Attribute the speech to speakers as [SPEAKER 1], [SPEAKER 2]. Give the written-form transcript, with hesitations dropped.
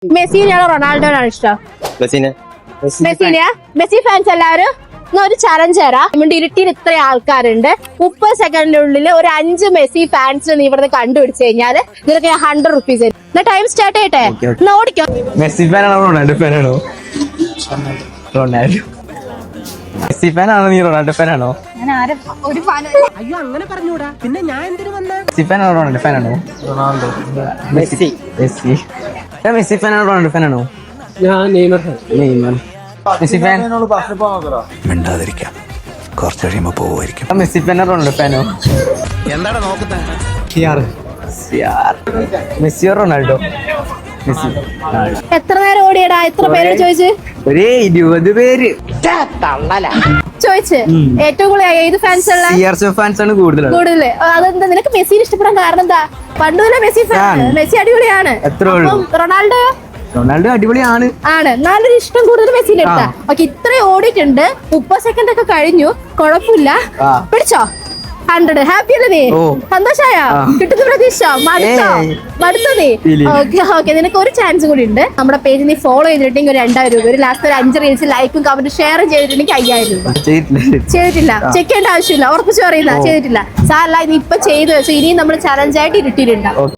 [SPEAKER 1] മെസ്സിനെയാണോ റൊണാൾഡോനാണോ ഇഷ്ടം? Messi fans എല്ലാവരും ഒരു ചലഞ്ച് തരാം. നമ്മുടെ ഇരുട്ടിയിൽ ഇത്ര ആൾക്കാരുണ്ട്. 30 സെക്കൻഡിനുള്ളിൽ ഒരു 5 മെസ്സി ഫാൻസ് നീ ഇവിടുന്ന് കണ്ടുപിടിച്ചു കഴിഞ്ഞാല് നിനക്ക് ഞാൻ 100 റുപ്പീസ് തരും. ടൈം സ്റ്റാർട്ട് ചെയ്യട്ടെ, എന്നാ ഓടിക്കോ.
[SPEAKER 2] മെസ്സി ഫാനാണോ റൊണാൾഡോ ഫാനാണോ? റൊണാൾഡോ. മെസ്സി ഫാനാണോ നീ റൊണാൾഡോ ഫാനാണോ?
[SPEAKER 3] അയ്യോ അങ്ങനെ പറഞ്ഞൂടാ, പിന്നെ ഞാൻ എന്തിനു വന്ന?
[SPEAKER 2] മെസ്സി ഫാനാണോ റൊണാൾഡോ ഫാനാണോ? റൊണാൾഡോ. മെസ്സി. മെസ്സി. മെസ്സി ഫാനാണോ റൊണാൾഡോ ഫാനാണോ?
[SPEAKER 3] ഞാൻ നെയ്മർ.
[SPEAKER 2] നെയ്മർ. Messi fan.
[SPEAKER 4] മിണ്ടാതിരിക്കാം, കുറച്ച് കഴിയുമ്പോ പോവുമായിരിക്കും.
[SPEAKER 2] മെസ്സി ഫാനോ റൊണാൾഡോ ഫാനോ?
[SPEAKER 4] എന്താണ് നോക്കുന്നത്?
[SPEAKER 2] മെസ്സിയോ റൊണാൾഡോ? മെസ്സി.
[SPEAKER 1] എത്ര നേരം ഓടിയടാ? എത്ര പേര് ചോദിച്ചു?
[SPEAKER 2] ഒരു 20 പേര്
[SPEAKER 1] ചോദിച്ച് ഏറ്റവും കൂടുതൽ ഏത് ഫാൻസ് ഉള്ള?
[SPEAKER 2] CR7 ഫാൻസ് ആണ് കൂടുതൽ.
[SPEAKER 1] അതെന്താ നിനക്ക് മെസ്സിനെ ഇഷ്ടപ്പെടാൻ കാരണം എന്താ? പണ്ട് മുതലേ മെസ്സി ഫാൻ. മെസ്സി അടിപൊളിയാണ്. റൊണാൾഡോ
[SPEAKER 2] റൊണാൾഡോ അടിപൊളിയാണ്.
[SPEAKER 1] എന്നാലൊരു ഇഷ്ടം കൂടുതൽ മെസ്സിന്റെ അടുത്താ. ഓക്കെ, ഇത്രയും ഓടിയിട്ടുണ്ട്. 30 സെക്കൻഡ് ഒക്കെ കഴിഞ്ഞു, കുഴപ്പമില്ല. പിടിച്ചോ 100. ഹാപ്പി അല്ലേ നീ? സന്തോഷായ? കിട്ടുന്ന പ്രതീക്ഷ മടുത്തോ നീ? ഓക്കെ, നിനക്ക് ഒരു ചാൻസ് കൂടി ഉണ്ട്. നമ്മുടെ പേജ് നീ ഫോളോ ചെയ്തിട്ടുണ്ടെങ്കിൽ ഒരു 2000 രൂപ, ഒരു ലാസ്റ്റ് ഒരു 5 റീൽസ് ലൈക്കും കമന്റ് ഷെയർ ചെയ്തിട്ടുണ്ടെങ്കിൽ 5000 രൂപ. ചെയ്തിട്ടില്ല, ചെക്ക് ചെയ്യേണ്ട ആവശ്യമില്ല, ഉറപ്പിച്ചു പറയുന്ന ചെയ്തിട്ടില്ല. സാറല്ല, ഇത് ഇപ്പൊ ചെയ്തു വെച്ചു. ഇനിയും നമ്മൾ ചലഞ്ചായിട്ട് ഇരുട്ടിയിട്ടുണ്ടാവും.